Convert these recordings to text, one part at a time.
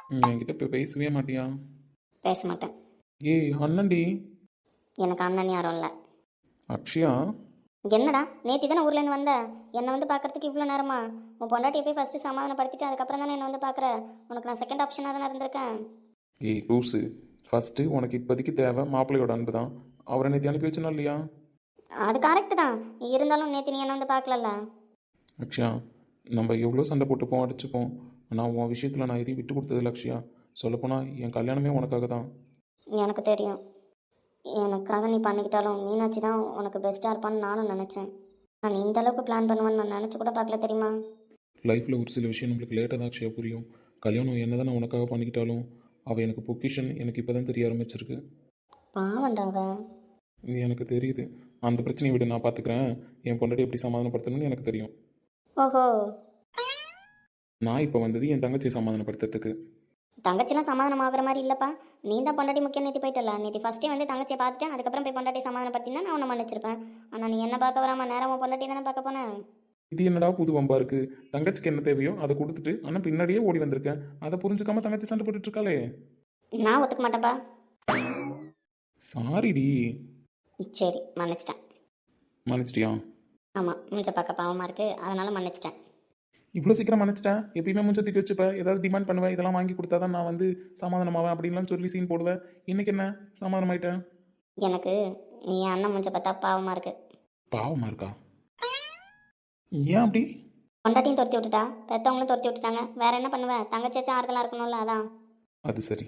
நீ என்கிட்ட இப்போ பேசவே மாட்டியா? பேச மாட்டேன். ஏய் அண்ணன்டி. எனக்கு அண்ணன் யாரும் இல்லை. அக்ஷயா. என்னடா நேத்தி தானே ஊர்லேருந்து வந்த, என்னை வந்து பார்க்கறதுக்கு இவ்வளோ நேரமா? உன் பொண்டாட்டியை போய் ஃபஸ்ட்டு சமாதானப்படுத்திட்டு அதுக்கப்புறம் தானே என்னை வந்து பார்க்குற. உனக்கு நான் செகண்ட் ஆப்ஷனாக தானே இருந்திருக்கேன். ஏய் லூஸு. ஃபஸ்ட்டு உனக்கு இப்போதைக்கு தேவை மாப்பிள்ளையோட அன்பு தான். அவரை நேற்று அனுப்பி வச்சனா இல்லையா? அது கரெக்டு தான், இருந்தாலும் நேற்று நீ என்ன வந்து பார்க்கலல்ல. அக்ஷயா, நம்ம எவ்வளோ சண்டை போட்டுப்போம் அடிச்சுப்போம். ஆனால் உன் விஷயத்தில் நான் எதையும் விட்டு கொடுத்ததில்ல அக்ஷயா. சொல்லப்போனால் என் கல்யாணமே உனக்காக தான். எனக்கு தெரியும், எனக்காக நீ பண்ணிக்கிட்டாலும் மீனாட்சி தான் உனக்கு பெஸ்ட்டாக இருப்பான்னு நானும் நினச்சேன். நான் இந்த அளவுக்கு பிளான் பண்ணுவேன்னு நான் நினச்சி கூட பார்க்கல தெரியுமா. லைஃப்பில் ஒரு சில விஷயம் நம்மளுக்கு லேட்டாக தான் அக்ஷயா புரியும். கல்யாணம் என்ன தான் நான் உனக்காக பண்ணிக்கிட்டாலும் அவள் எனக்கு பொக்கிஷன் எனக்கு இப்போ தான் தெரிய ஆரம்பிச்சிருக்கு. பாவண்டாவ. இது எனக்கு தெரியுது. அந்த பிரச்சனையை விட நான் பார்த்துக்கிறேன். என் பொண்டாட்டி எப்படி சமாதானப்படுத்தணும்னு எனக்கு தெரியும். ஓஹோ. நான் இப்போ வந்தது என் தங்கச்சியை சமாதானப்படுத்துறதுக்கு. தங்கச்சிலாம் சமாதானம் ஆகுற மாதிரி இல்லைப்பா. நீ தான் பொண்டாட்டி முக்கியம் நேற்று போயிட்டல. நேற்று ஃபஸ்ட்டே வந்து தங்கச்சியை பார்த்துட்டேன், அதுக்கப்புறம் போய் பொண்டாட்டி சமாதானப்படுத்தினா நான் உன்னை மன்னிச்சிருப்பேன். ஆனால் நீ என்ன பார்க்க வராமல் நேரமாக பொண்டாட்டி தானே பார்க்க போனேன். இது என்னடா புது வம்பா இருக்கு? தங்கச்சிக்கு என்ன தேவையோ அதை கொடுத்துட்டு ஆனால் பின்னாடியே ஓடி வந்திருக்கேன். அதை புரிஞ்சுக்காம தங்கச்சி சண்டை போட்டுட்டு இருக்காளே. நான் ஒத்துக்க மாட்டேன்ப்பா. சாரிடி. சரி மன்னிச்சிட்டேன். மன்னிச்சிட்டியா? ஆமாம், மூஞ்ச பார்க்க பாவமாக இருக்குது, அதனால் மன்னிச்சிட்டேன். இவ்வளோ சீக்கிரம் மன்னிச்சிட்டேன்? எப்பயுமே முஞ்சத்துக்கு வச்சுப்பேன், ஏதாவது டிமாண்ட் பண்ணுவேன், இதெல்லாம் வாங்கி கொடுத்தா தான் நான் வந்து சமாதானமாவேன் அப்படின்லாம் சொல்லி சீன் போடுவேன். இன்னைக்கு என்ன சமாதானமாயிட்டேன்? எனக்கு என் அண்ணன் மூஞ்ச பார்த்தா பாவமாக இருக்குது. பாவமா இருக்கா? ஏன் அப்படி? பொண்டாட்டியும் துரத்தி விட்டுட்டா, பெற்றவங்களும் துரத்தி விட்டுட்டாங்க, வேற என்ன பண்ணுவேன்? தங்கச்சியாச்சும் ஆறுதலாக இருக்கணும்ல, அதான். அது சரி.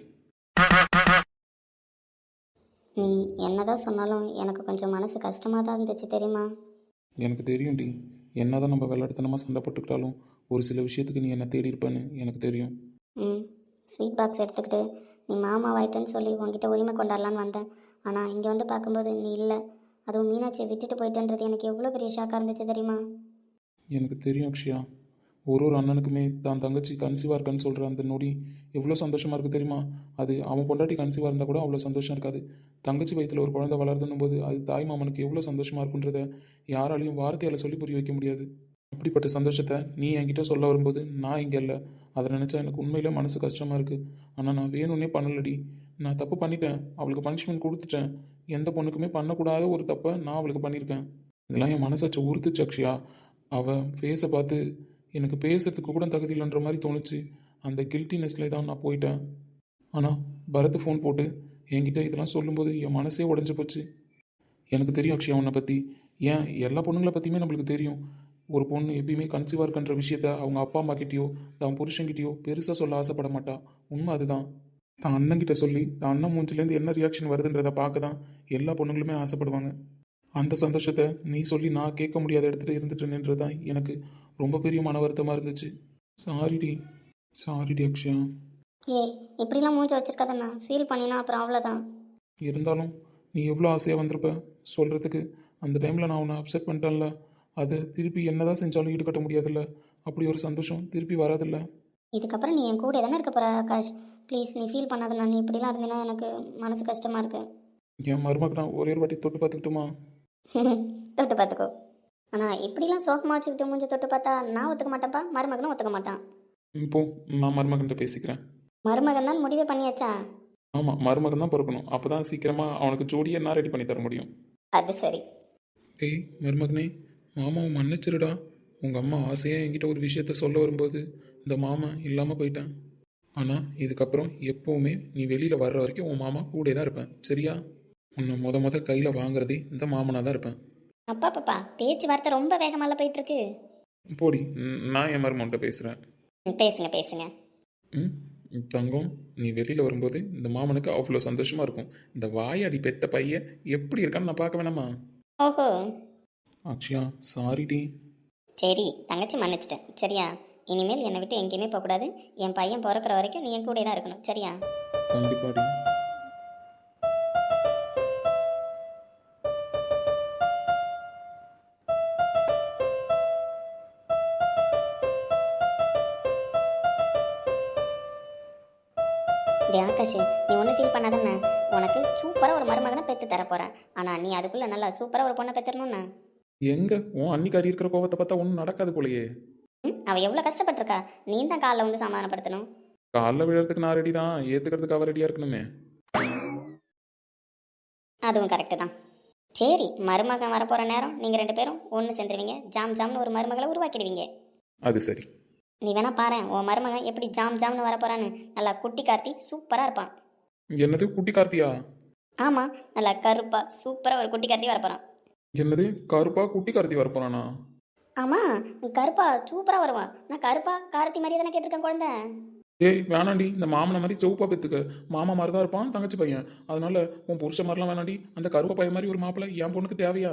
நீ என்னதான் சொன்னாலும் எனக்கு கொஞ்சம் மனசு கஷ்டமாக தான் இருந்துச்சு தெரியுமா. எனக்கு தெரியும் டி. என்னதான் நம்ம விளையாட்டுத்தனமாக சண்டை போட்டுக்கிட்டாலும் ஒரு சில விஷயத்துக்கு நீ என்ன தேடி இருப்பேன்னு எனக்கு தெரியும். ம், ஸ்வீட் பாக்ஸ் எடுத்துக்கிட்டு நீ மாமா வாயிட்டேன்னு சொல்லி உங்ககிட்ட உரிமை கொண்டாடலான்னு வந்தேன். ஆனால் இங்கே வந்து பார்க்கும்போது நீ இல்லை, அதுவும் மீனாட்சியை விட்டுட்டு போயிட்டேன்றது எனக்கு எவ்வளோ பெரிய ஷாக்காக இருந்துச்சு தெரியுமா. எனக்கு தெரியும் அக்ஷயா. ஒரு ஒரு அண்ணனுக்குமே தான் தங்கச்சி கன்சீவாக இருக்கான்னு சொல்கிற அந்த நொடி எவ்வளோ சந்தோஷமாக இருக்குது தெரியுமா? அது அவன் பொண்டாட்டி கன்சீவாக இருந்தால் கூட அவ்வளோ சந்தோஷம் இருக்காது. தங்கச்சி வயிற்றில் ஒரு குழந்தை வளர்துன்னும் போது அது தாய் மாமனுக்கு எவ்வளோ சந்தோஷமாக இருக்குன்றத யாராலையும் வார்த்தையால் சொல்லி புரிய வைக்க முடியாது. அப்படிப்பட்ட சந்தோஷத்தை நீ என்கிட்ட சொல்ல வரும்போது நான் இங்கே இல்லை. அதை நினச்சா எனக்கு உண்மையிலே மனசு கஷ்டமாக இருக்குது. ஆனால் நான் வேணும்னே பண்ணலடி. நான் தப்பு பண்ணிட்டேன், அவளுக்கு பனிஷ்மெண்ட் கொடுத்துட்டேன். எந்த பொண்ணுக்குமே பண்ணக்கூடாத ஒரு தப்பை நான் அவளுக்கு பண்ணியிருக்கேன். இதெல்லாம் என் மனசாச்சை உறுத்துச்சு அக்ஷயா. அவள் ஃபேஸை பார்த்து எனக்கு பேசுறதுக்கு கூட தகுதி இல்லைன்ற மாதிரி தோணுச்சு. அந்த கில்ட்டினஸ்ல தான் நான் போயிட்டேன். ஆனால் பரத் ஃபோன் போட்டு என்கிட்ட இதெல்லாம் சொல்லும்போது என் மனசே உடஞ்சி போச்சு. எனக்கு தெரியும் அக்ஷயா உன்னை பற்றி. ஏன் எல்லா பொண்ணுங்களை பற்றியுமே நம்மளுக்கு தெரியும். ஒரு பொண்ணு எப்பயுமே கன்சீவாக இருக்கின்ற விஷயத்த அவங்க அப்பா அம்மா கிட்டேயோ தான் புருஷன்கிட்டயோ பெருசாக சொல்ல ஆசைப்பட மாட்டா. உண்மை அதுதான். தான் அண்ணன்கிட்ட சொல்லி தான் அண்ணன் மூஞ்சிலேருந்து என்ன ரியாக்ஷன் வருதுன்றதை பார்க்க தான் எல்லா பொண்ணுங்களுமே ஆசைப்படுவாங்க. அந்த சந்தோஷத்தை நீ சொல்லி நான் கேட்க முடியாத இடத்துல இருந்துட்டு நின்றது தான் எனக்கு ரொம்ப பெரிய மன வருத்தமாக இருந்துச்சு. சாரிடி. சாரிடி அக்ஷயா. ஏய், இப்படிலாம் மூஞ்சி வச்சிருக்காதண்ணா, ஃபீல் பண்ணினா அப்புறம் அவ்வளோதான். இருந்தாலும் நீ எவ்வளோ ஆசையாக வந்திருப்ப சொல்கிறதுக்கு. அந்த டைமில் நான் உன்னை அப்செட் பண்ணிட்டேன்ல, அதை திருப்பி என்னதான் செஞ்சாலும் ஈடுகட்ட முடியாதுல்ல. அப்படி ஒரு சந்தோஷம் திருப்பி வராதில்ல. இதுக்கப்புறம் நீ என் கூட தானே இருக்க போகிற ஆகாஷ். ப்ளீஸ் நீ ஃபீல் பண்ணாதண்ணா. நீ இப்படிலாம் இருந்தீங்கன்னா எனக்கு மனசு கஷ்டமாக இருக்கு. என் மருமக்கு நான் ஒரே ஒரு வாட்டி தொட்டு பார்த்துக்கிட்டுமா? தொட்டு பார்த்துக்கோ. ஆனால் இப்படிலாம் சோகமாக வச்சுக்கிட்டு மூஞ்சி தொட்டு பார்த்தா நான் ஒத்துக்க மாட்டேன்ப்பா, மருமகனும் ஒத்துக்க மாட்டான். இப்போ நான் மருமகன்கிட்ட பேசிக்கிறேன். மருமகன் தான் முடிவே பண்ணியாச்சா? ஆமாம், மருமகன் தான் பிறக்கணும். அப்போ தான் சீக்கிரமாக அவனுக்கு ஜோடியை நான் ரெடி பண்ணி தர முடியும். அது சரி. ஏய் மருமகனே, மாமாவை மன்னிச்சிருடா. உங்கள் அம்மா ஆசையாக என்கிட்ட ஒரு விஷயத்த சொல்ல வரும்போது இந்த மாமா இல்லாமல் போயிட்டேன். ஆனால் இதுக்கப்புறம் எப்போவுமே நீ வெளியில் வர்ற வரைக்கும் உன் மாமா கூட தான் இருப்பேன், சரியா? உன்னை முத கையில் வாங்குறதே இந்த மாமனாக தான் இருப்பேன். அப்பா பாப்பா, பேச்சுவார்த்தை ரொம்ப வேகமால போயிட்டு இருக்கு. போடி. நான் என் மருமகன்கிட்ட பேசுகிறேன். பேசுங்க பேசுங்க. ம். தங்கம், நீ வெளியில் வரும்போது இந்த மாமனுக்கு அவ்வளோ சந்தோஷமாக இருக்கும். இந்த வாயாடி பெத்த பையன் எப்படி இருக்கான்னு நான் பார்க்க வேணாமா? ஓஹோ. அக்ஷயா சாரிடி. சரி, தங்கச்சி மன்னிச்சிட்டேன் சரியா. இனிமேல் என்னை விட்டு எங்கேயுமே போகக்கூடாது. என் பையன் பிறக்கிற வரைக்கும் நீ என் கூட தான் இருக்கணும் சரியா. கண்டிப்பாடி. டே ஆகாஷ், நீ ஒன்றும் ஃபீல் பண்ணாதானே. உனக்கு சூப்பராக ஒரு மருமகனை பெற்று தர போகிறேன். ஆனால் நீ அதுக்குள்ளே நல்லா சூப்பராக ஒரு பொண்ணை பெற்றுடணும்ண்ணா. எங்க உன் அன்னிக்காரி இருக்கிற கோவத்தை பார்த்தா ஒன்றும் நடக்காது போலையே. அவள் எவ்வளோ கஷ்டப்பட்டிருக்கா. நீ தான் காலைல வந்து சமாதானப்படுத்தணும். காலைல விழுறதுக்கு நான் ரெடி தான், ஏற்றுக்கிறதுக்கு அவள் ரெடியாக இருக்கணுமே. அதுவும் கரெக்டு தான். சரி, மருமகன் வரப்போகிற நேரம் நீங்கள் 2 பேரும் ஒன்று சேர்ந்துருவீங்க. ஜாம் ஜாம்னு ஒரு மருமகளை உருவாக்கிடுவீங்க. அது சரி. நீ வேணா பாரு, உன் மருமகன் எப்படி ஜாம் ஜாம்னு வரப்போறான்னு. நல்லா குட்டி கார்த்தி சூப்பராக இருப்பான். என்னது குட்டி கார்த்தியா? ஆமாம், நல்லா கருப்பா சூப்பராக ஒரு குட்டி கார்த்தி வரப்போகிறான். என்னது கருப்பா குட்டி கார்த்தி வரப்போறானா? ஆமாம், கருப்பா சூப்பராக வருவான். நான் கருப்பா கார்த்தி மாதிரியே தானே கேட்டிருக்கேன் குழந்தை. ஏய் வேணாண்டி, இந்த மாமனை மாதிரி செவப்பா பெற்றுக்க. மாமா மாதிரி தான் இருப்பான் தங்கச்சி பையன். அதனால உன் புருஷ மாதிரிலாம் வேணாண்டி. அந்த கருவ பையன் மாதிரி ஒரு மாப்பிள்ளை என் பொண்ணுக்கு தேவையா?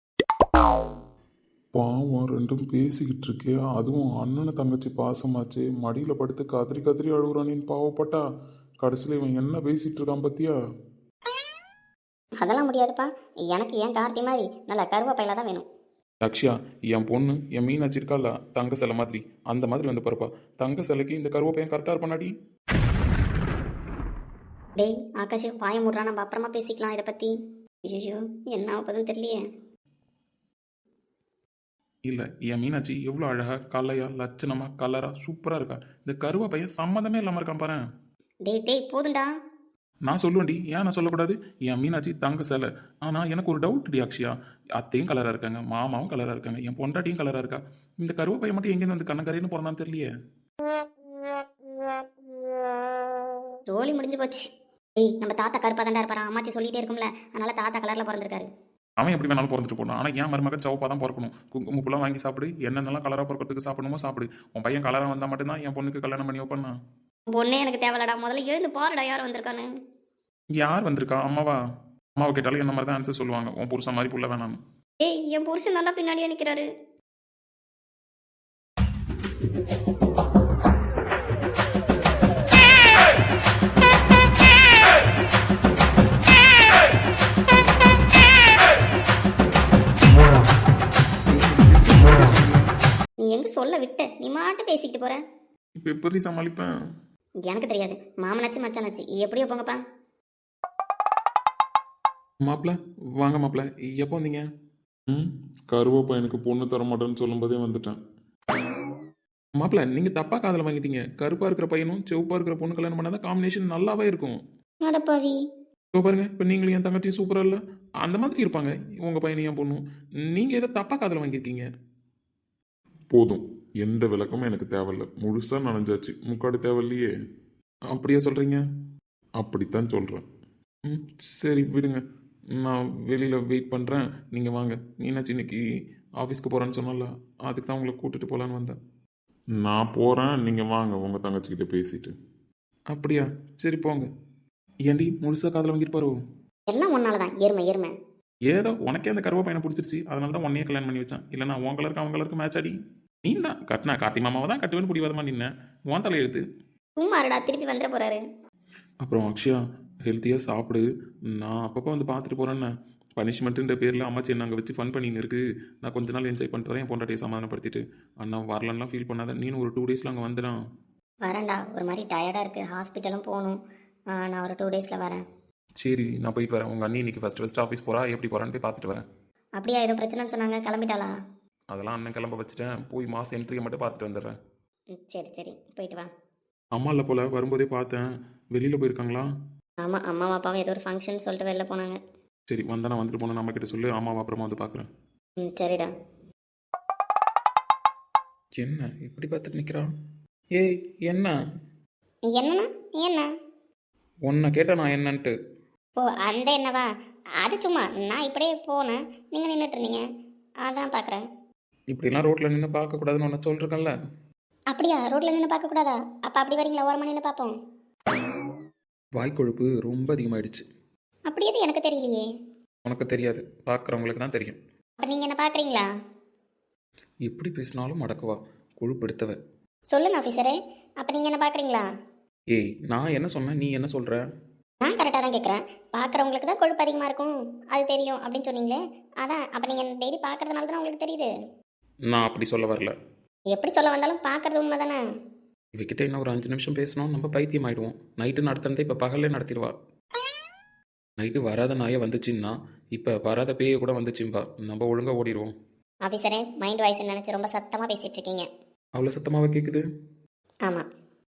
பாவம் ரெண்டும் பேசிக்கிட்டு இருக்கே, அதுவும் அண்ணனை தங்கச்சி பாசமாச்சு. மடியில் படுத்து கதறி கதறி அழுகுறானின்னு பாவப்பட்டா. கடைசியில் இவன் என்ன பேசிட்டு இருக்கான் பத்தியா? அதெல்லாம் முடியாதுப்பா. எனக்கு ஏன் கார்த்தி மாதிரி நல்லா கருவா பையில தான் வேணும். லக்ஷ்யா, என் பொண்ணு என் மீனாட்சி இருக்கால தங்க சிலை மாதிரி, அந்த மாதிரி வந்து பிறப்பா. தங்க சிலைக்கு இந்த கருவ பையன் கரெக்டாக இருப்பானாடி. டேய் ஆகாஷ், பாய முடுறா, நம்ம அப்புறமா பேசிக்கலாம் இதை பற்றி. ஐயோ, என்ன ஆகுதுன்னு தெரியலையே. இல்லை, என் மீனாட்சி எவ்வளோ அழகா கலையா லட்சணமா கலரா சூப்பராக இருக்கா. இந்த கருவ பையன் சம்மந்தமே இல்லாமல் இருக்கான் பாரு. டேய் போதுண்டா. நான் சொல்லுவேன்டி, ஏன் நான் சொல்லக்கூடாது? என் மீனாட்சி தங்க சிலை. ஆனால் எனக்கு ஒரு டவுட் டி அக்ஷயா. அத்தையும் கலராக இருக்காங்க, மாமாவும் கலராக இருக்காங்க, என் பொண்டாட்டியும் கலராக இருக்கா. இந்த கருவ பையன் மட்டும் எங்கேருந்து வந்து கண்ணக்கரைன்னு பிறந்தான்னு தெரியலையே. ஜோலி முடிஞ்சு போச்சு. டேய், நம்ம தாத்தா கருப்பா தாண்டா இருப்பாரா, அம்மாச்சி சொல்லிட்டே இருக்கும்ல, அதனால தாத்தா கலரில் பிறந்திருக்காரு. அவன் எப்படி வேணாலும் பிறந்துட்டு போனான். ஆனால் என் மருமகன் சவப்பாக தான் பிறக்கணும். குங்குமப்பூலாம் வாங்கி சாப்பிடு, என்னென்னலாம் கலராக பிறக்கிறதுக்கு சாப்பிடணுமோ சாப்பிடு. உன் பையன் கலராக வந்தால் மட்டும்தான் என் பொண்ணுக்கு கல்யாணம் பண்ணி வைப்பேன் நான். பொண்ணே எனக்கு தேவையில்லடா, முதல்ல எழுந்து பாருடா யார் வந்திருக்கான்னு. யார் வந்திருக்கா? அம்மாவா? அம்மாவை கேட்டாலும் என்ன மாதிரி தான் ஆன்சர் சொல்லுவாங்க. உன் புருஷன் மாதிரி புள்ள வேணாம். ஏய், என் புருஷன் நல்லா பின்னாடியே நிற்கிறாரு. நீ எங்க சொல்ல விட்ட, நீ மாட்டு பேசிக்கிட்டு போற. இப்போ எப்படி சமாளிப்பேன்? எனக்கு தெரியாது, மாமனாச்சு மச்சானாச்சு எப்படியோ போங்கப்பா. மாப்பிள்ள வாங்க மாப்பிள்ள, எப்போ வந்தீங்க? கருவ பையனுக்கு பொண்ணு தர மாட்டேன்னு சொல்லும்போதே வந்துட்டேன். மாப்பிள்ள, நீங்கள் தப்பாக காதில் வாங்கிட்டீங்க. கருப்பாக இருக்கிற பையனும் செவப்பாக இருக்கிற பொண்ணு கல்யாணம் பண்ணாதான் காம்பினேஷன் நல்லாவே இருக்கும். அடப்பாவி. இப்போ பாருங்க, இப்போ நீங்களும் என் தங்கச்சியும் சூப்பராக இல்லை? அந்த மாதிரி இருப்பாங்க உங்கள் பையனையும் என் பொண்ணும். நீங்கள் எதை தப்பாக காதில் வாங்கியிருக்கீங்க. போதும், எந்த விளக்கமும் எனக்கு தேவையில்லை. முழுசாக நனைஞ்சாச்சு, முக்காடு தேவையில்லையே. அப்படியே சொல்கிறீங்க? அப்படித்தான் சொல்கிறேன். சரி விடுங்க, நான் வெளியில் வெயிட் பண்ணுறேன். நீங்கள் வாங்க. மீனாட்சி இன்னைக்கு ஆஃபீஸ்க்கு போகிறேன்னு சொன்னால, அதுக்கு தான் உங்களை கூட்டிகிட்டு போகலான்னு வந்தேன். நான் போகிறேன், நீங்கள் வாங்க உங்கள் தங்கச்சிக்கிட்ட பேசிட்டு. அப்படியா? சரி போங்க. ஏண்டி முழுசாக காதில் வாங்கிட்டு பாரு. எல்லாம் ஒன்னால தான், எருமை. ஏதோ உனக்கே அந்த கருவ பையனை பிடிச்சிருச்சு, அதனால தான் உன்னையே கல்யாணம் பண்ணி வச்சான். இல்லைனா உன் கலருக்கு அவன் கலருக்கு மேட்ச் ஆடி. நீ தான் கட்டினா கார்த்தி மாமாவை தான் கட்டுவேன்னு பிடிவாதமா நின்ன. உன் தலை எழுத்து. சும்மாருடா, திருப்பி வந்துட போறாரு. அப்புறம் அக்ஷயா, ஹெல்த்தியாக சாப்பிடு. நான் அப்பப்போ வந்து பார்த்துட்டு போகிறேன்னு. பனிஷ்மெண்ட்டுன்ற பேரில் அம்மாச்சி என்ன அங்கே வச்சு ஃபன் பண்ணின்னு இருக்கு. நான் கொஞ்ச நாள் என்ஜாய் பண்ணிட்டு வரேன், என் பொண்டாட்டியை சமாதானப்படுத்திட்டு. அண்ணா வரலன்னா ஃபீல் பண்ணாத. நீனும் ஒரு 2 டேஸில் அங்கே வந்துடான். வரேன்டா, ஒரு மாதிரி டயர்டாக இருக்குது, ஹாஸ்பிட்டலும் போகணும். நான் ஒரு 2 டேஸில் வரேன். சரி, நான் போயிட்டு வரேன். உங்கள் அண்ணி இன்னைக்கு ஃபஸ்ட்டு ஆஃபீஸ் போகிறா, எப்படி போகிறான்னு போய் பார்த்துட்டு வரேன். அப்படியா, ஏதோ பிரச்சனைன்னு சொன்னாங்க, கிளம்பிட்டாளா? அதெல்லாம் அண்ணன் கிளம்ப வச்சுட்டேன். போய் மாதம் என்ட்ரியை மட்டும் பார்த்துட்டு வந்துடுறேன். சரி போயிட்டு வா. அம்மா இல்லை போல், வரும்போதே பார்த்தேன். வெளியில் போயிருக்காங்களா? ஆமாம், அம்மா அப்பாவும் ஏதோ ஒரு ஃபங்க்ஷன் சொல்லிட்டு வெளில போனாங்க. சரி, வந்தா நான் வந்துட்டு போனேன், நம்மக்கிட்ட சொல்லு. அம்மாவை அப்புறமா வந்து பார்க்குறேன். சரிடா. என்ன இப்படி பார்த்துட்டு நிற்கிறான்? ஏய் என்ன? என்னண்ணா? என்ன? உன்னை கேட்டேன் நான் என்னன்ட்டு. ஓ, அந்த என்னவா? அது சும்மா நான் இப்படியே போனேன், நீங்கள் நின்றுட்டு இருந்தீங்க, அதான் பார்க்குறேன். இப்படிலாம் ரோட்டில் நின்று பார்க்கக்கூடாதுன்னு ஒன்று சொல்லிருக்கேன்ல. அப்படியா? ரோட்டில் நின்று பார்க்கக்கூடாதா? அப்போ அப்படி வரீங்களா? ஓரமாக நின்று பார்ப்போம். வாய்க்கொழுப்பு ரொம்ப அதிகமாகிடுச்சு. அப்படி எது எனக்கு தெரியலையே. உனக்கு தெரியாது, பார்க்குறவங்களுக்கு தான் தெரியும். அப்போ நீங்கள் என்ன பார்க்குறீங்களா? எப்படி பேசினாலும் மடக்குவா, கொழுப்பு எடுத்தவ. சொல்லுங்க ஆஃபீஸரே, அப்போ நீங்கள் என்ன பார்க்குறீங்களா? ஏய், நான் என்ன சொன்னேன், நீ என்ன சொல்கிற? நான் கரெக்டாக தான் கேட்குறேன். பார்க்குறவங்களுக்கு தான் கொழுப்பு அதிகமாக இருக்கும், அது தெரியும் அப்படின்னு சொன்னீங்களே, அதான். அப்போ நீங்கள் டெய்லி பார்க்கறதுனால தானே உங்களுக்கு தெரியுது. நான் அப்படி சொல்ல வரல. எப்படி சொல்ல வந்தாலும் பார்க்குறது உண்மை தானே. இவகிட்ட இன்னும் ஒரு 5 நிமிஷம் பேசணும், நம்ம பைத்தியம் ஆகிடுவோம். நைட்டு நடத்துனதே இப்போ பகல்லே நடத்திடுவா. நைட்டு வராத நாயை வந்துச்சுன்னா இப்போ வராத பேயை கூட வந்துச்சும்பா. நம்ம ஒழுங்காக ஓடிடுவோம். ஆஃபீஸரே, மைண்ட் வாய்ஸ் நினச்சி ரொம்ப சத்தமாக பேசிகிட்டு இருக்கீங்க. அவ்வளோ சத்தமாக கேட்குது? ஆமாம்.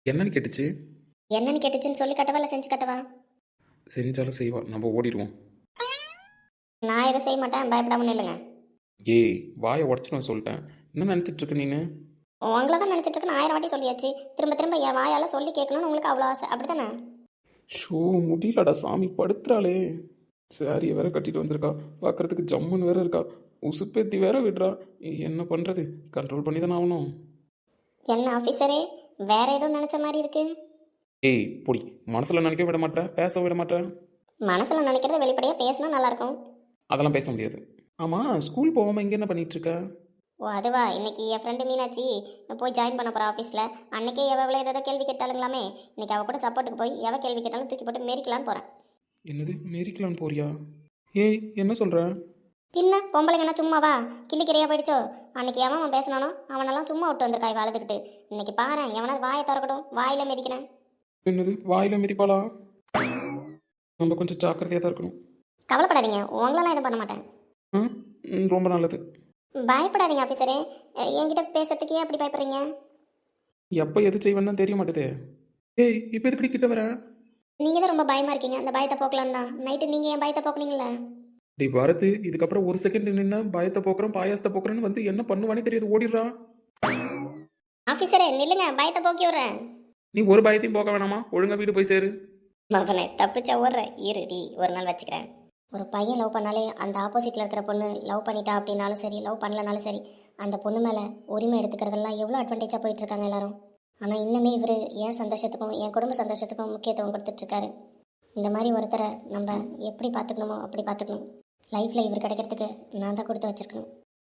என்னன்னு கேட்டுச்சு? என்னன்னு கேட்டுச்சுன்னு சொல்லி கட்டவா இல்லை செஞ்சு கட்டவா? செஞ்சாலும் செய்வா, நம்ம ஓடிடுவோம். நான் எதுவும் செய்ய மாட்டேன், பயப்படாம நில்லுங்க. ஏய், வாயை உடச்சு சொல்லிட்டேன். என்ன நினச்சிட்டு இருக்க நீனு? உங்களை தான் நினச்சிட்டு இருக்கு, நான் 1000 வாட்டி சொல்லியாச்சு. திரும்ப திரும்ப என் வாயால் சொல்லி கேட்கணும்னு உங்களுக்கு அவ்வளோ ஆசை, அப்படி தானே? ஷோ, முடியலடா சாமி, படுத்துறாளே. சாரியை வேற கட்டிட்டு வந்திருக்கா, பார்க்கறதுக்கு ஜம்முன்னு வேற இருக்கா. உசுப்பேத்தி வேற விடுறா. என்ன பண்ணுறது? கண்ட்ரோல் பண்ணி தானே ஆகணும். என்ன ஆஃபீஸரே, வேற எதுவும் நினச்ச மாதிரி இருக்கு? ஏய் பொடி, மனசில் நினைக்க விட மாட்டேன், பேச விட மாட்டேன். மனசில் நினைக்கிறத வெளிப்படையாக பேசினா நல்லாயிருக்கும். அதெல்லாம் பேச முடியாது. ஆமாம், ஸ்கூல் போகாமல் இங்கே என்ன பண்ணிட்டு இருக்க? ஓ அதுவா, இன்னைக்கு என் ஃப்ரெண்டு மீனாட்சி போய் ஜாயின் பண்ண போகிறா ஆஃபீஸில். அன்னைக்கே எவ்வளோ ஏதோ கேள்வி கேட்டாலுங்களாமே, இன்னைக்கு அவள் கூட சப்போர்ட்டுக்கு போய் எவ கேள்வி கேட்டாலும் தூக்கி போட்டு மேரிக்கலான்னு போகிறேன். என்னது, மேரிக்கலான்னு போறியா? ஏய், என்ன சொல்கிற? பின்ன பொம்பளைங்க என்ன சும்மாவா கிள்ளிக்கிறையா போயிடுச்சோ? அன்னைக்கு எவன் பேசினானோ அவனெல்லாம் சும்மா விட்டு வந்திருக்கா இவ அழுதுகிட்டு. இன்னைக்கு பாரு, எவனாவது வாயை திறக்கட்டும், வாயில மிதிக்கிறேன். என்னது, வாயில் மிதிப்பாளா? நம்ம கொஞ்சம் ஜாக்கிரதையாக தான் இருக்கணும். கவலைப்படாதீங்க, உங்களெல்லாம் எதுவும் பண்ண மாட்டேன். ரொம்ப நல்லது. பயப்படாதீங்க ஆஃபீஸரே. என்கிட்ட பேசுறதுக்கு ஏன் அப்படி பயப்படுறீங்க? எப்போ எது செய்வேன்னு தான் தெரிய மாட்டேதே. ஏய், இப்போ எதுக்கடி கிட்ட வர? நீங்கள் தான் ரொம்ப பயமாக இருக்கீங்க, அந்த பயத்தை போக்கலான்னு தான். நைட்டு நீங்கள் ஏன் பயத்தை போக்குனீங்களே? டேய் பாரத், இதுக்கப்புறம் ஒரு செகண்ட் நின்று பயத்தை போக்குறோம் பாயாசத்தை போக்குறேன்னு வந்து என்ன பண்ணுவானே தெரியாது, ஓடிடுறா. ஆஃபீஸரே நில்லுங்க, பயத்தை போக்கி விட்றேன். நீ ஒரு பயத்தையும் போக வேணாமா, ஒழுங்கா வீடு போய் சேரு. மகனே தப்பிச்சா ஓடுறேன், இருடி ஒரு நாள் வச்சுக்கிறேன். ஒரு பையன் லவ் பண்ணாலே அந்த ஆப்போசிட்டில் இருக்கிற பொண்ணு லவ் பண்ணிட்டா அப்படின்னாலும் சரி, லவ் பண்ணலனாலும் சரி, அந்த பொண்ணு மேலே உரிமை எடுத்துக்கிறதெல்லாம் எவ்வளோ அட்வான்டேஜாக போயிட்டுருக்காங்க எல்லாரும். ஆனால் இன்னுமே இவர் என் சந்தோஷத்துக்கும் என் குடும்ப சந்தோஷத்துக்கும் முக்கியத்துவம் கொடுத்துட்ருக்காரு. இந்த மாதிரி ஒருத்தரை நம்ம எப்படி பார்த்துக்கணுமோ அப்படி பார்த்துக்கணும். லைஃப்பில் இவர் கிடைக்கிறதுக்கு நான் தான் கொடுத்து வச்சுருக்கணும்.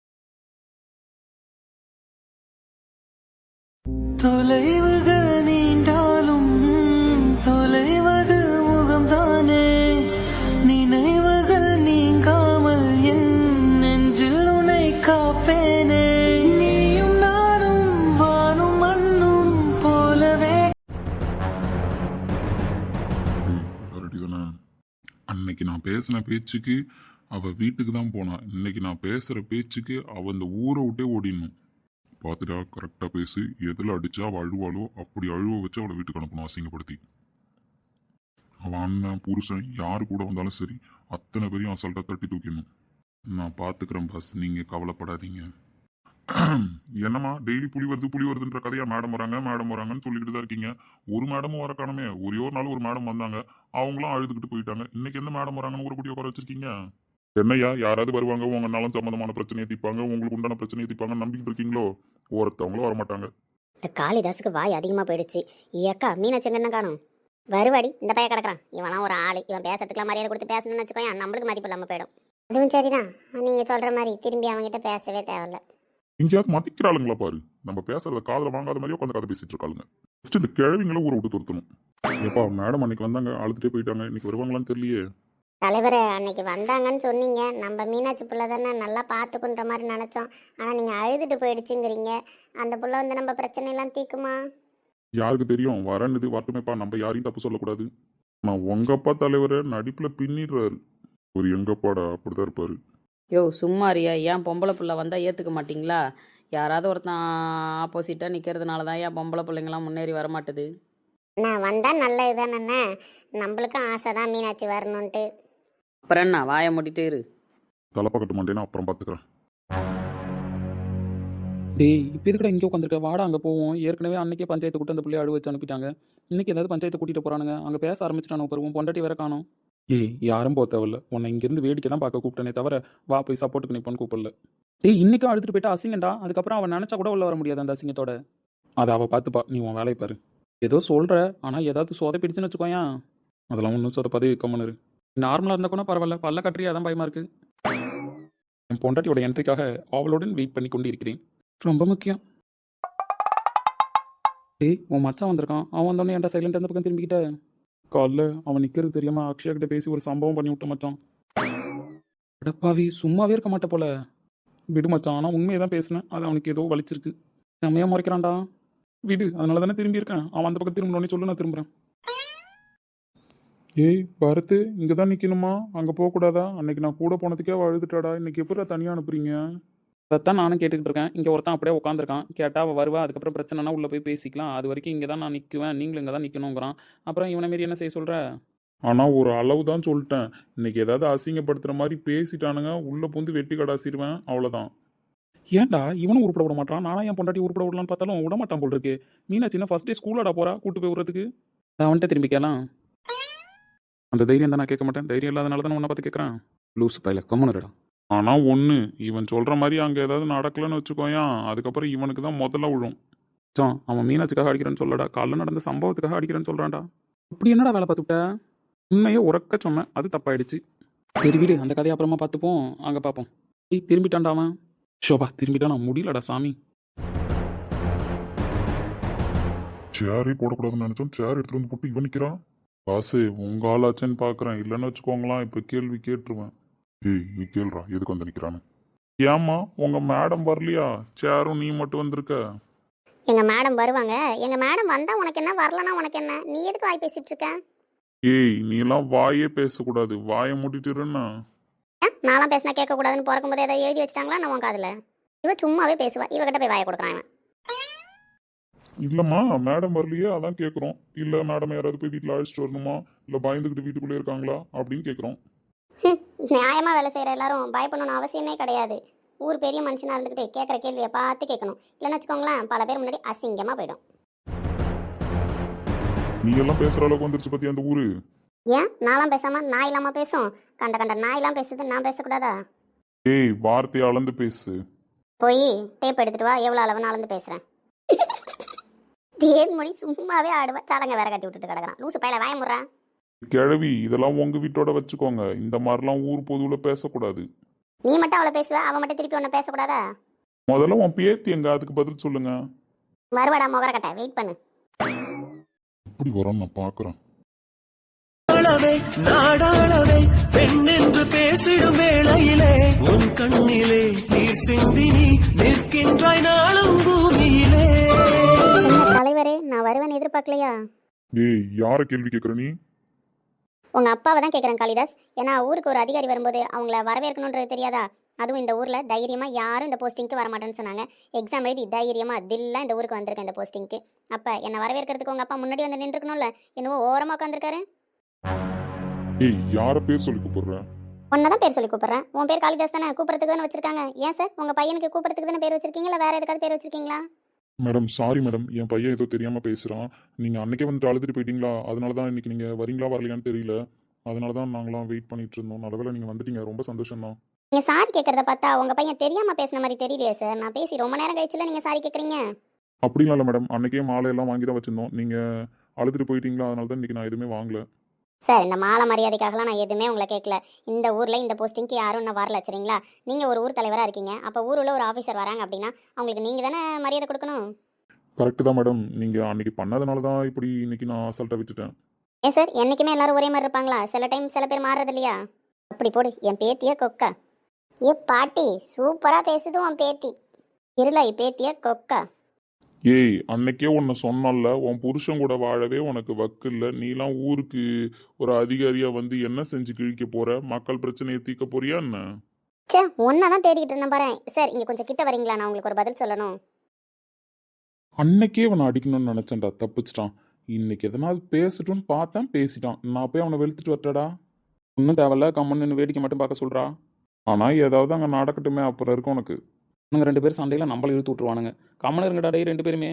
தொலைவுகள் நீண்டாலும் தொலைவது முகம்தானே, நினைவுகள் நீங்காமல் என் நெஞ்சில் உன்னை காப்பேனே, நீயும் நானும் வானும் மண்ணும் போலவே. ரெடி தானே? அன்னைக்கு நான் பேசின பேச்சுக்கு அவள் வீட்டுக்கு தான் போனான். இன்னைக்கு நான் பேசுகிற பேச்சுக்கு அவள் இந்த ஊரை விட்டே ஓடிடணும். பார்த்துட்டா, கரெக்டாக பேசு. எதில் அடித்தா அவள் அழுவாளோ அப்படி அழுவ வச்சு அவளை வீட்டுக்கு அனுப்பணும், அசிங்கப்படுத்தி. அவன் அண்ணன் புருஷன் யார் கூட வந்தாலும் சரி, அத்தனை பேரையும் அசால்ட்டாக தட்டி தூக்கிடணும். நான் பார்த்துக்கிறேன் பாஸ், நீங்கள் கவலைப்படாதீங்க. என்னம்மா டெய்லி புலி வருதுன்ற கதையா? மேடம் வராங்கன்னு சொல்லிக்கிட்டு தான் இருக்கீங்க. ஒரு மேடமும் வர காணமே. ஒரே ஒரு நாள் ஒரு மேடம் வந்தாங்க, அவங்களும் அழுதுகிட்டு போயிட்டாங்க. இன்னைக்கு எந்த மேடம் வராங்கன்னு ஒரு குட்டி உட்கார வச்சிருக்கீங்க? என்னையா, யாராவது வருவாங்க, உங்க நலம் சம்பந்தமான பிரச்சனையை தீர்ப்பாங்க, உங்களுக்கு உண்டான பிரச்சனையை தீர்ப்பாங்கன்னு நம்பிக்கிட்டு இருக்கீங்களோ? ஒருத்தவங்களும் வரமாட்டாங்க. இந்த காளிதாஸுக்கு வாய் அதிகமாக போயிடுச்சு. ஏக்கா மீனாட்சி என்ன காணும்? வருவாடி, இந்த பையன் கிடக்குறான். இவனா ஒரு ஆள், இவன் பேசுறதுக்குலாம் மரியாதை கொடுத்து பேசணும்னு வச்சுக்கோங்க, நம்மளுக்கு மதிப்பு இல்லாமல் போயிடும். அதுவும் சரிதான், நீங்கள் சொல்கிற மாதிரி திரும்பி அவங்ககிட்ட பேசவே தேவையில்ல. எங்கேயாவது மதிக்கிறாளுங்களா பாரு. நம்ம பேசுறத காதில் வாங்காத மாதிரியே உட்காந்து கதை பேசிட்டு இருக்காளுங்க. ஃபர்ஸ்ட் இந்த கிழவிங்களை ஊரை விட்டு துரத்தணும். ஏப்பா, மேடம் அன்னைக்கு வந்தாங்க, அழுதுட்டே போயிட்டாங்க. இன்னைக்கு வருவாங்களான்னு தெரியலையே. தலைவரை அன்னைக்கு வந்தாங்கன்னு சொன்னீங்க, நம்ம மீனாட்சி புள்ள தானே நல்லா பார்த்துக்குன்ற மாதிரி நினச்சோம். ஆனால் நீங்கள் அழுதுட்டு போயிடுச்சுங்கிறீங்க. அந்த புள்ள வந்து நம்ம பிரச்சனையெல்லாம் தீக்குமா? யாருக்கு தெரியும், வரணுது வரட்டுமேப்பா, நம்ம யாரையும் தப்பு சொல்லக்கூடாது. நான் உங்கப்பா தலைவரை நடிப்பில் பின்னிடுறாரு. ஒரு எங்கப்பாடா அப்படிதான் இருப்பாரு. யோ சும்மாரியா, ஏன் பொம்பளை பிள்ளை வந்தால் ஏற்றுக்க மாட்டிங்களா? யாராவது ஒருத்தன் ஆப்போசிட்டாக நிற்கிறதுனால தான் ஏன் பொம்பளை பிள்ளைங்களாம் முன்னேறி வரமாட்டுது. நான் வந்தால் நல்லது தானே, நம்மளுக்கும் ஆசை தான் மீனாட்சி வரணுன்ட்டு. அப்புறம் என்ன, வாயை மூடிட்டு இரு. தலைப்பா கட்ட மாட்டேன்னா அப்புறம் பார்த்துக்கிறேன். டேய், இப்போ எதுக்கடா இங்கே உட்காந்துருக்க? வாடா அங்கே போவோம். ஏற்கனவே அன்னைக்கே பஞ்சாயத்து கூட்டு அந்த பிள்ளைய அழுவ வச்சு அனுப்பிட்டாங்க. இன்னைக்கு ஏதாவது பஞ்சாயத்தை கூட்டிகிட்டு போகிறானுங்க, அங்கே பேச ஆரம்பிச்சிட்டானு பருவம் பொண்டாட்டி வேற காணோம். ஏய், யாரும் போக தேவையில்ல, உன்னை இங்கேருந்து வேடிக்கை தான் பார்க்க கூப்பிட்டனே தவிர வா போய் சப்போர்ட்டுக்கு நிற்பான்னு கூப்பிடல. டேய், இன்னைக்கும் அழுதுட்டு போயிட்டா அசிங்கண்டா. அதுக்கப்புறம் அவன் நினச்சா கூட உள்ள வர முடியாது அந்த அசிங்கத்தோட. அதை அவள் பார்த்துப்பா, நீ உன் வேலையை பாரு. ஏதோ சொல்கிற, ஆனால் ஏதாவது சொதப்பிடுச்சுன்னு வச்சுக்கோயா, அதெல்லாம் ஒன்றும் சொதப்பதே கம்மனு. நார்மலாக இருந்தால் கூட பரவாயில்ல, பல்ல கட்டுறியா அதான் பயமாக இருக்குது. என் பொண்டாட்டியோட என்ட்ரிக்காக அவளுடன் வெயிட் பண்ணி கொண்டு இருக்கிறேன். ரொம்ப முக்கியம். டேய், உன் மச்சான் வந்திருக்கான். அவன் வந்தோடனே என்கிட்ட சைலண்ட் அந்த பக்கம் திரும்பிக்கிட்ட. காலைல அவன் நிற்கிறது தெரியாமல் அக்ஷயா கிட்ட பேசி ஒரு சம்பவம் பண்ணி விட்ட மச்சான். அடப்பாவி, சும்மாவே இருக்க மாட்டே போல. விடு மச்சான், ஆனால் உண்மையை தான் பேசினேன், அது அவனுக்கு ஏதோ வலிச்சிருக்கு. செம்மையாக முறைக்கிறான்டா. விடு, அதனால தானே திரும்பி இருக்கேன். அவன் அந்த பக்கம் திரும்பணுன்னே சொல்லு, நான் திரும்புகிறேன். ஏய் பரத்து, இங்கே தான் நிற்கணுமா? அங்கே போகக்கூடாதா? அன்னைக்கு நான் கூட போனதுக்கே அவள் அழுதுட்டாடா. இன்னைக்கு எப்படி தனியாக அனுப்புறீங்க? அதைத்தான் நானும் கேட்டுக்கிட்டு இருக்கேன். இங்கே ஒருத்தன் அப்படியே உட்காந்துருக்கான். கேட்டால் அவள் வருவா, அதுக்கப்புறம் பிரச்சனைனா உள்ளே போய் பேசிக்கலாம். அது வரைக்கும் இங்கே தான் நான் நிற்குவேன், நீங்களும் இங்கே தான் நிற்கணுங்கிறான். அப்புறம் இவனை மாரி என்ன செய்ய சொல்கிற? ஆனால் ஒரு அளவு தான் சொல்லிட்டேன். இன்னைக்கு ஏதாவது அசிங்கப்படுத்துகிற மாதிரி பேசிட்டானுங்க, உள்ளே பூந்து வெட்டி கடாசிடுவேன், அவ்வளோதான். ஏன்டா இவனும் உருப்பட விட மாட்டான்? நானும் என் பொண்டாட்டி உருப்பட விடலான்னு பார்த்தாலும் விட மாட்டான் போல் இருக்கு. மீனாட்சின்னா ஃபர்ஸ்ட் டே ஸ்கூலோட போகிறா, கூட்டு போய் விடுறதுக்கு. அவன்கிட்ட திரும்பி கேட்கலாம். அந்த தைரியம் தான் நான் கேட்க மாட்டேன். தைரியம் இல்லாதனால தான் உன்னை பார்த்து கேட்குறான். லூஸ் பையில கம்முனடா. ஆனால் ஒன்று, இவன் சொல்கிற மாதிரி அங்கே ஏதாவது நடக்கலைன்னு வச்சுக்கோயான், அதுக்கப்புறம் இவனுக்கு தான் முதல்ல விழும். அவன் மீனாட்சிக்காக அடிக்கிறேன்னு சொல்லடா, காலைல நடந்த சம்பவத்துக்காக அடிக்கிறேன்னு சொல்கிறான்டா. அப்படி என்னடா வேலை பார்த்துக்கிட்ட? உண்மையே உறக்க சொன்னேன், அது தப்பாயிடுச்சு. சரி விடு, அந்த கதையை அப்புறமா பார்த்துப்போம், அங்கே பார்ப்போம். திரும்பிட்டான்டா அவன். ஷோபா திரும்பிட்டான், நான் முடியலடா சாமி. சேரே போடக்கூடாதுன்னு நினச்சோம், சேர் எடுத்துகிட்டு வந்து போட்டு இவன் நிற்கிறான். காசு உங்கள் ஆளாச்சேன்னு பார்க்குறேன், இல்லைன்னு வச்சுக்கோங்களாம் இப்போ கேள்வி கேட்டுருவேன். ஏய் நீ கேள்றா, எதுக்கு வந்து நிற்கிறான்னு. ஏம்மா உங்கள் மேடம் வரலையா? சேரும் நீ மட்டும் வந்திருக்க. எங்கள் மேடம் வருவாங்க. எங்கள் மேடம் வந்தால் உனக்கு என்ன, வரலன்னா உனக்கு என்ன? நீ எதுக்கு வாய் பேசிகிட்டு இருக்க? ஏய் நீலாம் வாயே பேசக்கூடாது, வாயை மூடிட்டுருன்னா. ஏன் நான்லாம் பேசினா கேட்கக்கூடாதுன்னு பிறக்கும்போது ஏதாவது எழுதி வச்சிட்டாங்களா நான் உன் காதில்? இவ சும்மாவே பேசுவா, இவகிட்ட போய் வாயை கொடுக்குறான் இவன். இல்லைம்மா மேடம் வரலையே, அதான் கேட்குறோம். இல்லை மேடம் யாராவது போய் வீட்டில் அழைச்சிட்டு வரணுமா, இல்லை பயந்துக்கிட்டு வீட்டுக்குள்ளே இருக்காங்களா அப்படின்னு கேட்குறோம். நியாயமாக வேலை செய்கிற எல்லாரும் பயப்படணும்னு அவசியமே கிடையாது. ஊர் பெரிய மனுஷனாக இருந்துக்கிட்டு கேட்குற கேள்வியை பார்த்து கேட்கணும். இல்லைன்னு வச்சுக்கோங்களேன், பல பேர் முன்னாடி அசிங்கமாக போயிடும். நீ எல்லாம் பேசுகிற அளவுக்கு வந்துருச்சு பற்றி அந்த ஊரு. ஏன் நான்லாம் பேசாமல் நாய் இல்லாமல் பேசும்? கண்ட கண்ட நாயெல்லாம் பேசுது, நான் பேசக்கூடாதா? ஏய் வார்த்தையை அளந்து பேசு. போய் டேப் எடுத்துட்டு வா, எவ்வளோ அளவு நான் அளந்து பேசுகிறேன். தேன் மொழி சும்மாவே ஆடுவேன், சடங்கை வேற கட்டி விட்டுட்டு கிடக்குறான். லூசு பையில வாய முறா. கிழவி இதெல்லாம் உங்கள் வீட்டோட வச்சுக்கோங்க, இந்த மாதிரிலாம் ஊர் பொதுவில் பேசக்கூடாது. நீ மட்டும் அவளை பேசுவ, அவன் மட்டும் திருப்பி ஒன்று பேசக்கூடாதா? முதல்ல உன் பேத்தி எங்க, அதுக்கு பதில் சொல்லுங்க. வருவாடா முகரக்கட்டை, வெயிட் பண்ணு. இப்படி வரும் நான் பார்க்குறேன். நாடாளவே பெண் என்று பேசிடும் வேளையிலே உன் கண்ணிலே நீர் சிந்தி நீ நிற்கின்றாய் நாளும் பூமியிலே. தலைவரே, நான் வருவேன் எதிர்பார்க்கலையா? ஏய் யாரை கேள்வி கேட்குற நீ? உங்க அப்பாவை தான் கேட்குறேன் காளிதாஸ். ஏன்னா ஊருக்கு ஒரு அதிகாரி வரும்போது அவங்கள வரவேற்கணுன்றது தெரியாதா? அதுவும் இந்த ஊரில் தைரியமாக யாரும் இந்த போஸ்டிங்க்கு வரமாட்டேன்னு சொன்னாங்க. எக்ஸாம் எழுதி தைரியமாக தில்லாக இந்த ஊருக்கு வந்திருக்கேன் இந்த போஸ்டிங்க்கு. அப்போ என்னை வரவேற்கிறதுக்கு உங்கள் அப்பா முன்னாடி வந்து நின்றுக்கணும்ல, என்னவோ ஓரமாக உட்காந்துருக்காரு. ஏய் யாரை பேர் சொல்லி கூப்பிடுறேன்? உன்னை தான் பேர் சொல்லி கூப்பிட்றேன். உன் பேர் காளிதாஸ் தானே, கூப்பிட்றதுக்கு தானே வச்சிருக்காங்க. ஏன் சார் உங்கள் பையனுக்கு கூப்பிட்றதுக்கு தானே பேர் வச்சிருக்கீங்களா, வேறு எதுக்காவது பேர் வச்சிருக்கீங்களா? மேடம் சாரி மேடம், என் பையன் ஏதோ தெரியாமல் பேசுகிறான். நீங்கள் அன்னைக்கே வந்துட்டு அழுதுட்டு போயிட்டீங்களா, அதனால தான் இன்னைக்கு நீங்கள் வரீங்களா வரலையான்னு தெரியல. அதனால தான் நாங்களாம் வெயிட் பண்ணிட்டு இருந்தோம். நல்லவேளை நீங்கள் வந்துட்டீங்க, ரொம்ப சந்தோஷம் தான். நீங்கள் சாரி கேட்குறத பார்த்தா உங்கள் பையன் தெரியாமல் பேசின மாதிரி தெரியலையே சார். நான் பேசி ரொம்ப நேரம் கழிச்சுல நீங்கள் சாரி கேட்குறீங்க. அப்படிலாம் இல்லை மேடம், அன்னைக்கே மாலையெல்லாம் வாங்கி தான் வச்சுருந்தோம். நீங்கள் அழுதுட்டு போயிட்டீங்களா, அதனால தான் இன்றைக்கி நான் எதுவுமே வாங்கல. சார் இந்த மாலை மரியாதைக்காகலாம் நான் எதுவுமே உங்களை கேட்கல. இந்த ஊரில் இந்த போஸ்டிங்க்கு யாரும் நான் வரல சரிங்களா? நீங்கள் ஒரு ஊர் தலைவராக இருக்கீங்க. அப்போ ஊரில் ஒரு ஆஃபீஸர் வராங்க அப்படின்னா அவங்களுக்கு நீங்கள் தானே மரியாதை கொடுக்கணும். கரெக்டு தான் மேடம், நீங்கள் அன்றைக்கி பண்ணதுனால தான் இப்படி இன்றைக்கி நான் அசால்ட்டாக விட்டுட்டேன். ஏன் சார் என்றைக்குமே எல்லாரும் ஒரே மாதிரி இருப்பாங்களா? சில டைம் சில பேர் மாறுறது இல்லையா? அப்படி போடு என் பேத்திய கொக்கா. ஏ பாட்டி சூப்பராக பேசுது உன் பேத்தி. இருளை பேத்திய கொக்கா. ஏய் அன்னைக்கே உன்னை சொன்னல, உன் புருஷன் கூட வாழவே உனக்கு வக்கு இல்லை. நீலாம் ஊருக்கு ஒரு அதிகாரியாக வந்து என்ன செஞ்சு கிழிக்க போகிற? மக்கள் பிரச்சனையை தீர்க்க போறியா என்ன? சே ஒன்றை தான் தேடிக்கிட்டு இருந்தேன் பாரு. சார் இங்கே கொஞ்சம் கிட்ட வரீங்களா, நான் உங்களுக்கு ஒரு பதில் சொல்லணும். அன்னைக்கே அவனை அடிக்கணும்னு நினச்சேன்டா, தப்பிச்சிட்டான். இன்னைக்கு எதனாவது பேசட்டும்னு பார்த்தேன், பேசிட்டான். நான் போய் அவனை வெளுத்துட்டு வரட்டடா? ஒன்றும் தேவையில்ல, கம்மன்னு வேடிக்கை மட்டும் பார்க்க சொல்கிறா. ஆனால் ஏதாவது அங்கே நடக்கட்டுமே, அப்புறம் இருக்கும் உனக்கு. நாங்கள் 2 பேரும் சண்டையில் நம்மளை இழுத்து விட்ருவானுங்க. கம்மனு இருங்கடா டே 2 பேருமே.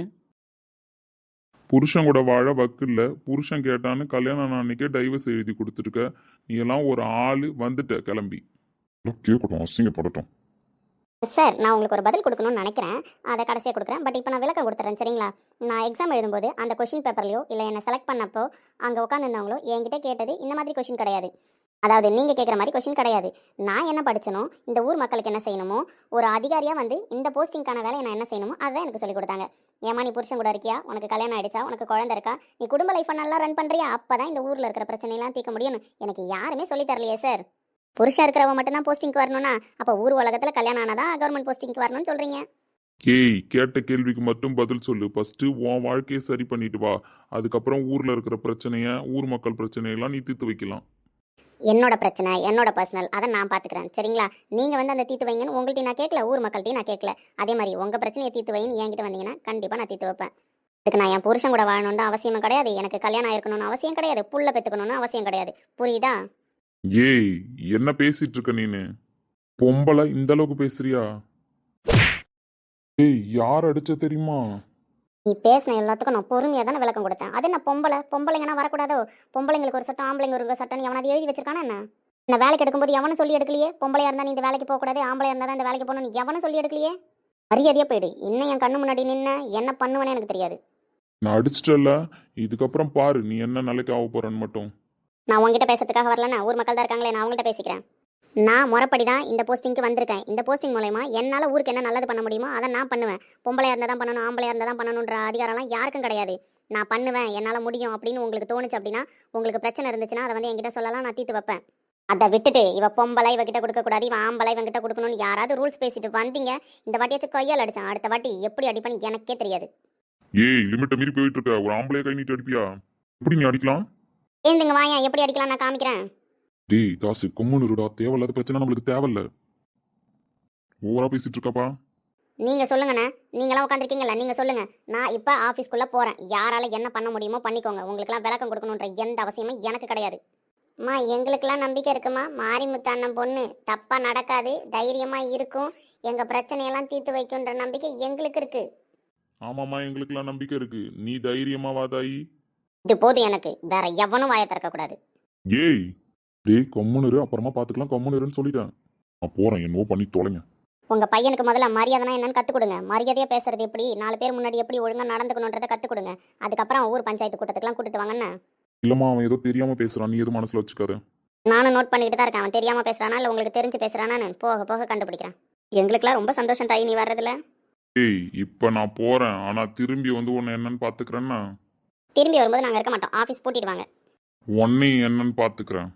புருஷன் கூட வாழ வக்கு இல்லை. புருஷன் கேட்டான்னு கல்யாணம் அன்னைக்கே டைவர்ஸ் எழுதி கொடுத்துருக்க. நீ எல்லாம் ஒரு ஆள் வந்துட்ட கிளம்பி. கேட்கட்டும், அசிங்கப்படட்டும். சார் நான் உங்களுக்கு ஒரு பதில் கொடுக்கணும்னு நினைக்கிறேன், அதை கடைசியாக கொடுக்குறேன். பட் இப்போ நான் விளக்கம் கொடுத்துறேன் சரிங்களா? நான் எக்ஸாம் எழுதும்போது அந்த கொஷின் பேப்பர்லையோ இல்லை என்னை செலக்ட் பண்ணப்போ அங்கே உட்காந்துருந்தவங்களோ என்கிட்ட கேட்டது இந்த மாதிரி கொஷின் கிடையாது. அதாவது நீங்கள் கேட்குற மாதிரி கொஷின் கிடையாது. நான் என்ன படிச்சனோ, இந்த ஊர் மக்களுக்கு என்ன செய்யணுமோ, ஒரு அதிகாரியாக வந்து இந்த போஸ்டிங்கான வேலையை நான் என்ன செய்யணுமோ அதை எனக்கு சொல்லிக் கொடுத்தாங்க. ஏமா நீ புருஷன் கூட இருக்கியா, உனக்கு கல்யாணம் ஆயிடுச்சா, உனக்கு குழந்தை இருக்கா, நீ குடும்ப லைஃப்பை நல்லா ரன் பண்ணுறியா, அப்போ தான் இந்த ஊரில் இருக்கிற பிரச்சனையெல்லாம் தீர்க்க முடியும்னு எனக்கு யாருமே சொல்லித் தரலையே சார். புருஷன் இருக்கிறவங்க மட்டும்தான் போஸ்டிங்க்கு வரணும்னா அப்போ ஊர் உலகத்தில் கல்யாணம் ஆனாதான் கவர்மெண்ட் போஸ்டிங்க்கு வரணும்னு சொல்கிறீங்க. ஏய் கேட்ட கேள்விக்கு மட்டும் பதில் சொல்லு. ஃபஸ்ட்டு உன் வாழ்க்கையை சரி பண்ணிட்டு வா, அதுக்கப்புறம் ஊரில் இருக்கிற பிரச்சனையை, ஊர் மக்கள் பிரச்சனையெல்லாம் நீ தீர்த்து வைக்கலாம். என்னோட பிரச்சனை என்னோட பர்சனல் அதை நான் பார்த்துக்கிறேன் சரிங்களா. நீங்கள் வந்து அந்த தீர்த்து வைங்கன்னு உங்கள்கிட்ட நான் கேட்கல, ஊர் மக்கள்கிட்டையும் நான் கேட்கல. அதே மாதிரி உங்கள் பிரச்சனையை தீர்த்து வைன்னு என்கிட்ட வந்தீங்கன்னா கண்டிப்பாக நான் தீர்த்து வைப்பேன். அதுக்கு நான் என் புருஷன் கூட வாழணும்னு அவசியமும் கிடையாது, எனக்கு கல்யாணம் ஆயிருக்கணும்னு அவசியம் கிடையாது, புள்ள பெற்றுக்கணும்னு அவசியம் கிடையாது. புரியுதா? ஏய் என்ன பேசிட்டு இருக்க நீனு? பொம்பளை இந்த அளவுக்கு பேசுறியா? ஏய் யார் அடிச்ச தெரியுமா? நீ பேசின எல்லாத்துக்கும் நான் பொறுமையாக தானே விளக்கம் கொடுத்தேன். அது என்ன பொம்பளைங்கன்னா வரக்கூடாதோ? பொம்பளைங்களுக்கு ஒரு சட்டம் ஆம்பளைங்க ஒரு சட்டம் எவனாவது எழுதி வச்சிருக்கானா என்ன? நான் வேலைக்கு எடுக்கும்போது எவனும் சொல்லி எடுக்கலையே பொம்பளையா இருந்தா நீ இந்த வேலைக்கு போகக்கூடாது, ஆம்பளையா இருந்தா தான் இந்த வேலைக்கு போகணும், எவனும் சொல்லி எடுக்கலையே. மரியாதையா போயிடு. இன்னும் என் கண்ணு முன்னாடி நின்று என்ன பண்ணுவேன்னு எனக்கு தெரியாது. நான் அடிச்சிட்டல, இதுக்கப்புறம் பாரு நீ என்ன நிலைக்கு ஆக போறன்னு மட்டும். நான் உங்ககிட்ட பேசுறதுக்காக வரலன்னா ஊர் மக்கள் தான் இருக்காங்களே, நான் அவங்கள்ட்ட பேசிக்கிறேன். நான் முறைப்படி தான் இந்த போஸ்டிங்க்கு வந்திருக்கேன். இந்த போஸ்டிங் மூலமா என்னால் ஊருக்கு என்ன நல்லது பண்ண முடியுமோ அதை நான் பண்ணுவேன். பொம்பளையா இருந்தால் தான் பண்ணணும், ஆம்பளையா இருந்தால் தான் பண்ணணுன்ற அதிகாரம்லாம் யாருக்கும் கிடையாது. நான் பண்ணுவேன், என்னால் முடியும் அப்படின்னு உங்களுக்கு தோணுச்சு அப்படின்னா, உங்களுக்கு பிரச்சனை இருந்துச்சுன்னா அதை வந்து என்கிட்ட சொல்லலாம், நான் தீர்த்து வைப்பேன். அதை விட்டுட்டு இவ பொம்பளை இவகிட்ட கொடுக்கக்கூடாது, இவன் ஆம்பளை இவங்கிட்ட கொடுக்கணும்னு யாராவது ரூல்ஸ் பேசிட்டு வந்தீங்க, இந்த வாட்டியாச்சும் கையால் அடிச்சான், அடுத்த வாட்டி எப்படி அடிப்பான்னு எனக்கே தெரியாது. ஏய் லிமிட்ட மீறி போயிட்டு இருக்க, ஒரு ஆம்பளைய கை நீட்டி அடிப்பியா? எப்படி நீ அடிக்கலாம்? ஏந்துங்க வாயா, எப்படி அடிக்கலாம் நான் காமிக்கிறேன். டேய் தாசு கொம்முனுடா, தேவையில்லாத பிரச்சனை நம்மளுக்கு தேவையில்ல. ஓவரா பேசிட்டு இருக்கப்பா. நீங்க சொல்லுங்கண்ணே, நீங்களாம் உட்காந்துருக்கீங்கல்ல, நீங்க சொல்லுங்க. நான் இப்போ ஆஃபீஸ்க்குள்ளே போகிறேன். யாரால என்ன பண்ண முடியுமோ பண்ணிக்கோங்க. உங்களுக்குலாம் விளக்கம் கொடுக்கணுன்ற எந்த அவசியமும் எனக்கு கிடையாது. அம்மா எங்களுக்கெல்லாம் நம்பிக்கை இருக்குமா, மாரிமுத்து அண்ணன் பொண்ணு தப்பாக நடக்காது, தைரியமாக இருக்கும், எங்கள் பிரச்சனையெல்லாம் தீர்த்து வைக்குன்ற நம்பிக்கை எங்களுக்கு இருக்கு. ஆமாம்மா எங்களுக்கெல்லாம் நம்பிக்கை இருக்கு, நீ தைரியமா வாதாயி. இது போதும் எனக்கு, வேற எவனும் வாயை திறக்கக்கூடாது. ஏய் டேய் கொம்முனுரு, அப்புறமா பாத்துக்கலாம் கொம்முனுருன்னு சொல்லிட்டேன். நான் போறேன், என்னவோ பண்ணி தொலைங்க. உங்கள் பையனுக்கு முதல்ல மரியாதைனா என்னன்னு கற்றுக் கொடுங்க. மரியாதையாக பேசுறது எப்படி, 4 பேர் முன்னாடி எப்படி ஒழுங்காக நடந்துக்கணுன்றதை கற்றுக் கொடுங்க. அதுக்கப்புறம் ஊர் பஞ்சாயத்து கூட்டத்துக்குலாம் கூட்டிட்டு வாங்கண்ணா. இல்லம்மா அவன் ஏதோ தெரியாம பேசுறான், நீ எதுவும் மனசுல வச்சுக்காத. நானும் நோட் பண்ணிக்கிட்டு தான் இருக்கேன். அவன் தெரியாமல் பேசுகிறானா இல்லை உங்களுக்கு தெரிஞ்சு பேசுகிறானான்னு போக போக கண்டுபிடிக்கிறேன். எங்களுக்குலாம் ரொம்ப சந்தோஷம் தாய் நீ வர்றதுல. ஏய் இப்ப நான் போறேன், ஆனா திரும்பி வந்து உன்னை என்னன்னு பாத்துக்கிறேன்னா. திரும்பி வரும்போது நாங்கள் இருக்க மாட்டோம், ஆஃபீஸ் பூட்டிட்டு வாங்க. உன்னையும் என்னன்னு பாத்துக்கிறேன்.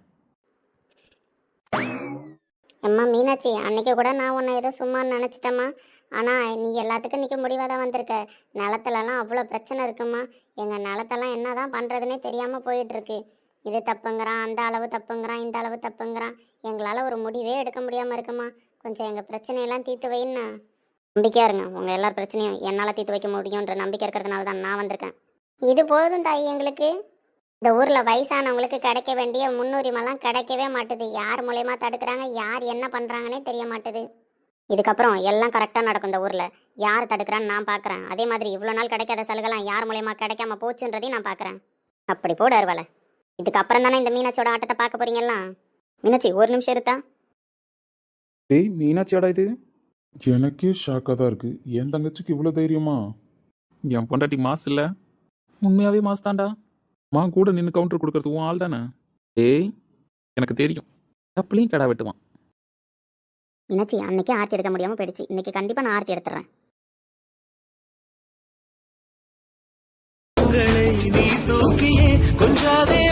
அம்மா மீனாட்சி, அன்னைக்கு கூட நான் உன்னை ஏதோ சும்மா நினச்சிட்டம்மா. ஆனால் நீ எல்லாத்துக்கும் நிற்க முடிவாக தான் வந்திருக்க. நிலத்துலலாம் அவ்வளோ பிரச்சனை இருக்குமா. எங்கள் நிலத்தெல்லாம் என்ன தான் பண்ணுறதுனே தெரியாமல் போயிட்டுருக்கு. இது தப்புங்கிறான், அந்த அளவு தப்புங்கிறான், இந்த அளவு தப்புங்கிறான். எங்களால் ஒரு முடிவே எடுக்க முடியாமல் இருக்குமா. கொஞ்சம் எங்கள் பிரச்சனையெல்லாம் தீர்த்து வைன்னா. நம்பிக்கையாக இருங்க, உங்கள் எல்லார் பிரச்சனையும் என்னால் தீர்த்து வைக்க முடியுன்ற நம்பிக்கை இருக்கிறதுனால தான் நான் வந்திருக்கேன். இது போதும் தாய் எங்களுக்கு. இந்த ஊரில் வயசானவங்களுக்கு கிடைக்க வேண்டிய முன்னுரிமைலாம் கிடைக்கவே மாட்டுது. யார் மூலயமா தடுக்கிறாங்க, யார் என்ன பண்ணுறாங்கன்னே தெரிய மாட்டுது. இதுக்கப்புறம் எல்லாம் கரெக்டாக நடக்கும் இந்த ஊரில். யார் தடுக்கிறான்னு நான் பார்க்குறேன். அதே மாதிரி இவ்வளோ நாள் கிடைக்காத சலுகைலாம் யார் மூலயமா கிடைக்காம போச்சுன்றதையும் நான் பார்க்குறேன். அப்படி போட அருவலை. இதுக்கப்புறம் தானே இந்த மீனாட்சியோட ஆட்டத்தை பார்க்க போறீங்களா. மீனாட்சி ஒரு நிமிஷம் இருத்தா. டேய் மீனாட்சியாடா இது? எனக்கே ஷாக்காக தான் இருக்கு, என் தங்கச்சிக்கு இவ்வளோ தைரியமா? என் பொண்டாட்டி மாஸ் இல்லை, உண்மையாகவே மாஸ் தான்டா. மா கூட நின்று கவுண்டர் கொடுக்கறது உன் ஆள் தானே? ஏய் எனக்கு தெரியும், தப்புலையும் கடா வெட்டுவான். மீனாட்சி அன்னைக்கே ஆர்த்தி எடுக்க முடியாமல் போயிடுச்சு, இன்னைக்கு கண்டிப்பாக நான் ஆர்த்தி எடுத்துறேன். நீ தூக்கியே கொஞ்சாதே